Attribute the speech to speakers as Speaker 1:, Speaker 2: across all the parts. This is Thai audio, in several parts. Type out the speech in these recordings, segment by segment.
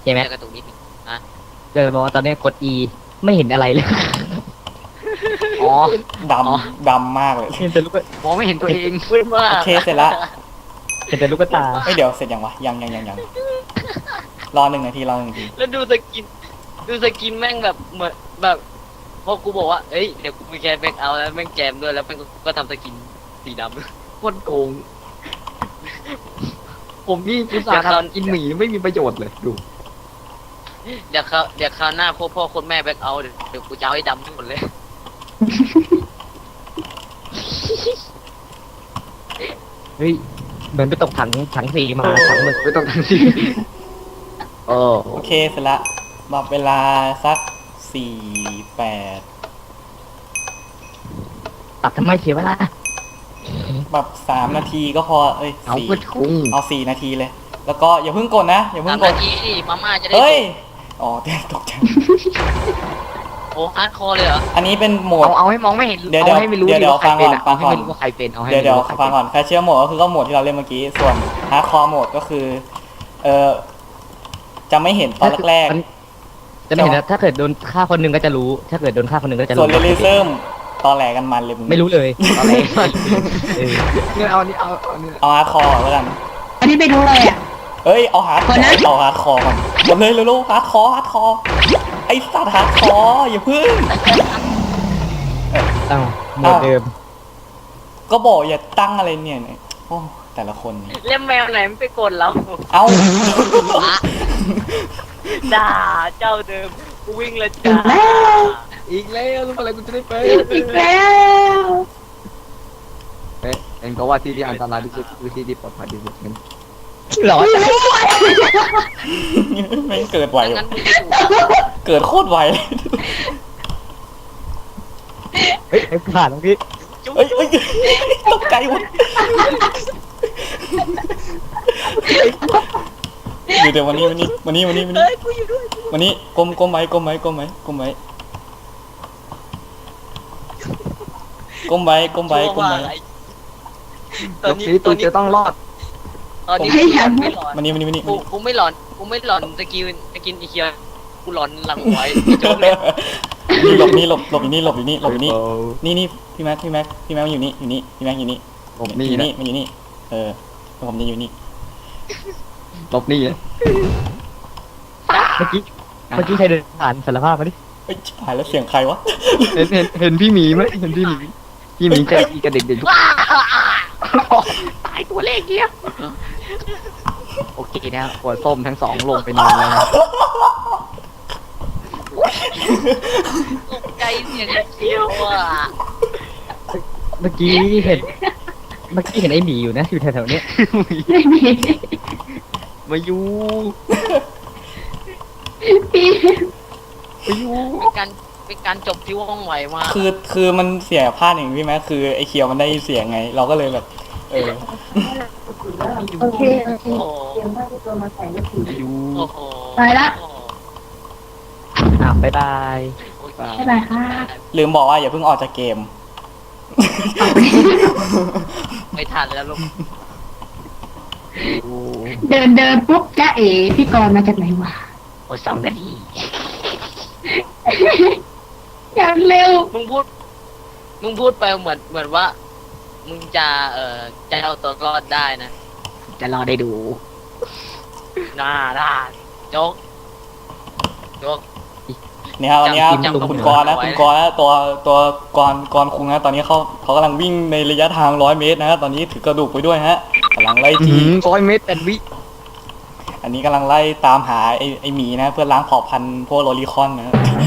Speaker 1: ช่ไหม
Speaker 2: กระตุกนิดนึง
Speaker 1: เดินบอกว่าตอนนี้กด E ไม่เห็นอะไรเลย
Speaker 2: อ๋อ
Speaker 3: ดำมากเลย
Speaker 1: เห็นแต่ลูก
Speaker 2: มองไม่เห็นตัวเองมืดมาก
Speaker 3: โอเคเสร็จละ
Speaker 1: เห็นแต่ลูกตา
Speaker 3: เอ้ยเดี๋ยวเสร็จยังวะยังรอ1 นาที
Speaker 2: แล้วดูสกินแม่งแบบเหมือนแบบพอกูบอกว่าเอ้ยเดี๋ยวกูมีแคสแบ็กเอาท์แล้วแม่งแจมด้วยแล้วแม่งก็ทำสกินสีดำโคตรโกง
Speaker 1: ผมนี่อุตส่าห์ทำกินหมีไม่มีประโยชน์เลยดู
Speaker 2: เดี๋ยวคราวหน้าพ่อคนแม่แบ็กเอาท์เดี๋ยวกูจะเอาให้ดำทั้งหมดเลย
Speaker 1: เฮ้ยเหมือนไปตกถังสีมาถังหมึกไปตกถังสีโอ้
Speaker 3: โอเคเสร็จละบอกเวลาสัก48
Speaker 1: ตัดทำไมเสียเวลา
Speaker 3: แบบ3 นาทีก็พอเอ้ย
Speaker 1: เอาเพื่อคุ้ง
Speaker 3: เอา4 นาทีเลย แล้วก็อย่าเพิ่งกดนะอย่าเพิ่
Speaker 2: สาง ม
Speaker 3: ก
Speaker 2: นา
Speaker 3: ด
Speaker 2: ทีดิมาม่าจะได้
Speaker 3: เฮ้ยอ๋อตกใจ
Speaker 2: โอ้ฮาร์ดคอร์เลยเหรอ
Speaker 3: อันนี้เป็นโหมด
Speaker 1: เอาให้มองไม่เห็น
Speaker 3: เดี๋ยว
Speaker 1: เอาให้ไม่รู้
Speaker 3: เดี๋ยว
Speaker 1: ว่าใครเป็นอะ
Speaker 3: ฟั
Speaker 1: เอา
Speaker 3: ง
Speaker 1: ให้
Speaker 3: ก่อน
Speaker 1: ไม่รู้ว่าใครเป็นเอาให้
Speaker 3: เดี๋ยว
Speaker 1: ไม่รู้ว่าใคร
Speaker 3: ฟั
Speaker 1: เป็
Speaker 3: ง
Speaker 1: น
Speaker 3: ก่อนแคชเชียร์โหมดก็คือก็โหมดที่เราเล่นเมื่อกี้ส่วนฮาร์ดคอร์โหมดก็คือจะไม่เห็นตอนแรก
Speaker 1: จะไม่เห็นนะถ้าเกิดโดนฆ่าคนหนึ่งก็จะรู้ ถ้าเกิดโดนฆ่าคนหนึ่งก็จะ
Speaker 3: ๆส่วน
Speaker 1: รู้
Speaker 3: เรลิซึมตอนแหลกันมันเลย
Speaker 1: ไม่รู้เลยอะไรเนี่ยเอานี่เอานี่
Speaker 3: เอาฮาร์ดคอร์แล้วกัน
Speaker 4: อันนี้ไปดูเลยอ่ะ
Speaker 3: เอ้ยเอาฮาร์ด
Speaker 4: ก่อนนะ
Speaker 3: เอาฮาร์ดคอร์ก่อนหมดเลยเร็วๆฮาร์ดคอร์ไอ้สัตว์ฮาร์ดคอร์อย่าพึ่ง
Speaker 1: ตั้งหมดเดิม
Speaker 3: ก็บอกอย่าตั้งอะไรเนี่ยโอ้แต่ละคนนี่
Speaker 2: เล่มแมวไหนมันไปกดเรา
Speaker 3: เอ้า
Speaker 2: ด่าเจ้าเดิมกูวิ่งเลย
Speaker 4: อี
Speaker 2: จ้าก
Speaker 4: แล้ว
Speaker 1: อีกแล้วรู้อะไรกูจะได้ไป
Speaker 4: อีกแล้ว
Speaker 1: เองก็ว่าที่อันตรายที่สุดคือที่ที่ปลอดภัยที่สุดงั้นหรอ
Speaker 3: แม่งเกิดไว
Speaker 2: งั้
Speaker 3: ว่ะ
Speaker 2: นมึงจะอยู่
Speaker 3: เกิดโคตรไวเลย
Speaker 1: เฮ้ยผ่านตรงนี้
Speaker 3: เอ้ยตกใจหมดเดี๋ยววันนี้
Speaker 2: เฮ้ยกูอยู่ด้วย
Speaker 3: วันนี้ก้มไว้ก้มไว้ก้มไว้ก้มไว้ก้มไว้ก้มไว้ก้มไว้
Speaker 2: ตอน
Speaker 1: ยก
Speaker 2: นี้
Speaker 1: สีตูจะต้องรอด
Speaker 2: ตอนนี้ไม่หลอน
Speaker 3: มานี่
Speaker 2: กูไม่หลอนสกินอีเคียกูหลอนหลังไว้โจ๊กเลย
Speaker 3: หลบนี่หลบอยู่นี่นี่พี่แม็กมันอยู่นี่พี่แม็กอยู่นี่
Speaker 1: ผม
Speaker 3: มัน
Speaker 1: นี่
Speaker 3: อยู่
Speaker 1: นะ
Speaker 3: นี่มันอยู่นี่แล้วผมจะอยู่นี่
Speaker 1: หลบนี่นะเมื่อกี้ใครเดินผ่านสารภาพมาดิ
Speaker 3: เอ้ยชิบหายแล้วเสียงใครวะ
Speaker 1: เห็นพี่หมีไหมเห็นพี่หมีใจดีกับเด็กๆทุก
Speaker 2: ตายตัวเลขเนี้ย
Speaker 1: โอเคนะหัวส้มทั้งสองลงไปนอนแล้วนะ
Speaker 2: ตกใจเสียงเคี้ยวอ่ะ
Speaker 1: เมื่อกี้เห็นไอ้หมีอยู่นะอยู่แถวๆเนี้ย
Speaker 4: ไม่มี
Speaker 1: มาอยู่
Speaker 4: พี่
Speaker 1: มาอยู่
Speaker 2: เป็นการจบที่ว่องไวมาก
Speaker 3: คือมันเสียพลาดอย่างพี่แม็กคือไอ้เคียวมันได้ยินเสียงไง เราก็เลยแบบ
Speaker 4: โอเค
Speaker 2: โอ้โห
Speaker 1: มาอยู่
Speaker 2: โอ้โห
Speaker 4: ไปละ
Speaker 1: บ๊ายบาย
Speaker 4: บ๊ายบายค่ะ
Speaker 3: ลืมบอกว่าอย่าเพิ่งออกจากเกม
Speaker 2: ไม่ทันแล้วลูก
Speaker 4: เดินปุ๊บจ้าเอ๋พี่กรณ์มาจากไหนวะ
Speaker 2: โอ้2 นาที
Speaker 4: อย่างเร็ว
Speaker 2: มึงพูดไปเหมือนว่า มึงจะเอาตัวรอดได้นะ
Speaker 1: จะรอได้ดู
Speaker 2: น่าโจ๊ก
Speaker 3: เนี่ยครับวันนี้ครับ
Speaker 2: จำ
Speaker 3: คุณกรณ์นะตัวกรคุงนะตอนนี้เขากำลังวิ่งในระยะทาง100 เมตรนะฮะตอนนี้ถือกระดูกไปด้วยฮะกำลังไล่จี
Speaker 1: 100 เมตร8 วิ
Speaker 3: อันนี้กำลังไล่ตามหาไอหมีนะเพื่อล้างเผ่าพันธุ์พวกโลลิคอนนะ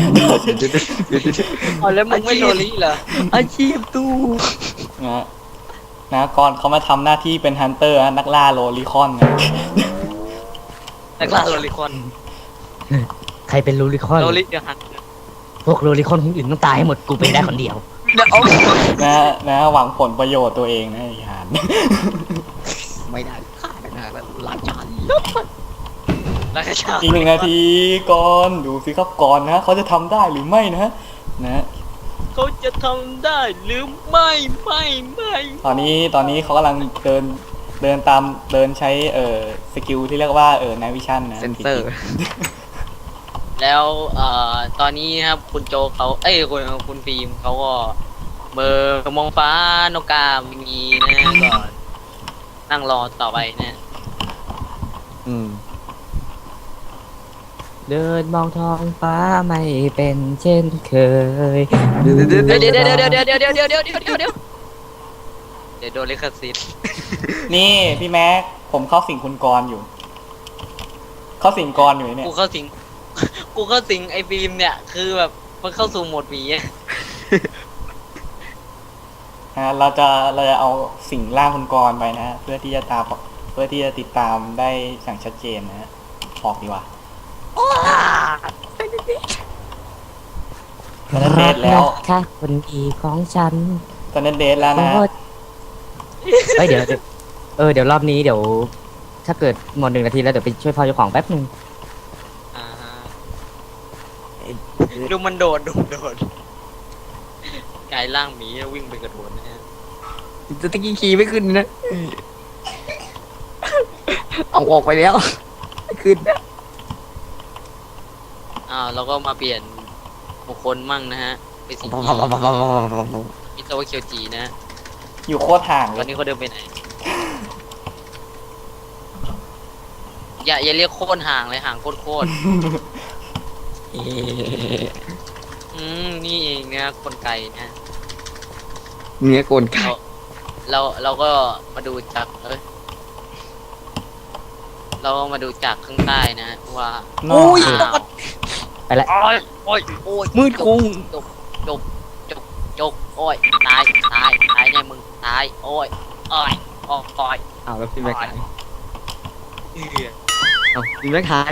Speaker 2: อ๋อแล้วมึงไม่โดนลี่เหรอ
Speaker 1: อาชีพตู้
Speaker 3: นะก่อนเขามาทำหน้าที่เป็นฮันเตอร์นักล่าโลลิคอนนะ
Speaker 2: นักล่าโรลิคอน
Speaker 1: ใครเป็นลูริคอน
Speaker 2: โรลิเดี๋ยวหัน
Speaker 1: พวกโลริคอนคนอื่นต้องตายให้หมดกูเป็นได้คนเดียว
Speaker 2: เดี๋ยวเอา
Speaker 3: นะหวังผลประโยชน์ตัวเองนะไอ้ห่าน
Speaker 1: ไม่ได้ฆ่าได้นะแล้วราชา
Speaker 2: แล้วก็ชา
Speaker 3: อีก1 นาทีก่อนดูสิครับก่อนนะเขาจะทำได้หรือไม่นะนะ
Speaker 2: เขาจะทำได้หรือไม่
Speaker 3: ตอนนี้เขากำลังเดินเดินตามเดินใช้สกิลที่เรียกว่าNight Vision นะ
Speaker 1: เซนเซอร์
Speaker 2: แล้วตอนนี้ครับคุณโจเขาเอ้ยคุณฟิล์มเขาก็เบอร์มองฟ้านกกาไม่มีนะก็นั่งรอต่อไปนะ
Speaker 1: อืม เดินมองท้องฟ้าไม่เป็นเช่นเคย
Speaker 2: เดี๋ยวโดนลิขสิทธิ์
Speaker 3: นี่พี่แม็กผมเข้าสิงคุณกรณ์อยู่ เข้าสิงกรณ์อยู่เนี่ย
Speaker 2: กูเข้าสิงไอ้ฟิล์มเนี่ยคือแบบมันเข้าสู่โหมดหมีอะ
Speaker 3: เราจะเอาสิ่งร่างคุณกรณ์ไปนะฮะเพื่อที่จะติดตามได้อย่างชัดเจนนะฮะออกดีกว่าตอนนั้นเดทแล้ว
Speaker 1: ค่ะคนดีของฉัน
Speaker 3: ตอนนั้นเดทแล้วนะ
Speaker 1: เฮ้ยเดี๋ยวเดี๋ยวรอบนี้เดี๋ยวถ้าเกิดหมด1 นาทีแล้วเดี๋ยวไปช่วยพ่อเจ้าของแป๊บนึง
Speaker 2: อ่าฮะดูมันโดดกลายร่างหมีแล้ววิ่งไปกระโดดนะฮะ
Speaker 1: จะตะกี้ขี่ไม่ขึ้นนะ เอาออกไปแล้วไม่ขึ้นนะ
Speaker 2: เราก็มาเปลี่ยนบุคคลมั่งนะฮะเป็นสีมิโตะเคียวจีนะฮะ
Speaker 3: อยู่โคตรห่าง
Speaker 2: ต
Speaker 3: เล
Speaker 2: อน
Speaker 3: ย
Speaker 2: นี้เขาเดินไปไหนอย่าเรียกโคตรห่างเลยห่างโคตรนี่เองนะคนไกลนะ
Speaker 1: เนื้อโกนไก่
Speaker 2: เราก็มาดูจากเรามาดูจากข้างใต้นะว่า
Speaker 3: โอ้ย
Speaker 1: ไปละ
Speaker 2: โอ้ย
Speaker 1: มืดคุ้ง
Speaker 2: จกโอ้ยตายเนี่ยมึงตายโอ้ยอ้อย
Speaker 1: เอาแล้วพี่แม็กหาย
Speaker 2: เอื้อ
Speaker 1: เอาพี่แม็กหาย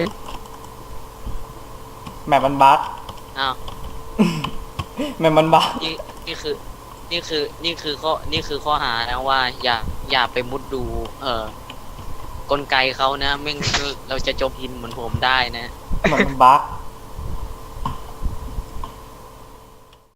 Speaker 3: แมปมันบั๊ก
Speaker 2: อ้าว
Speaker 3: แมปมันบั๊ก
Speaker 2: นี่คือข้อหานะว่าอย่าไปมุดดูกลไกเขานะไม่งั้นเราจะจมหินเหมือนผมได้นะ
Speaker 3: แมปมันบั๊ก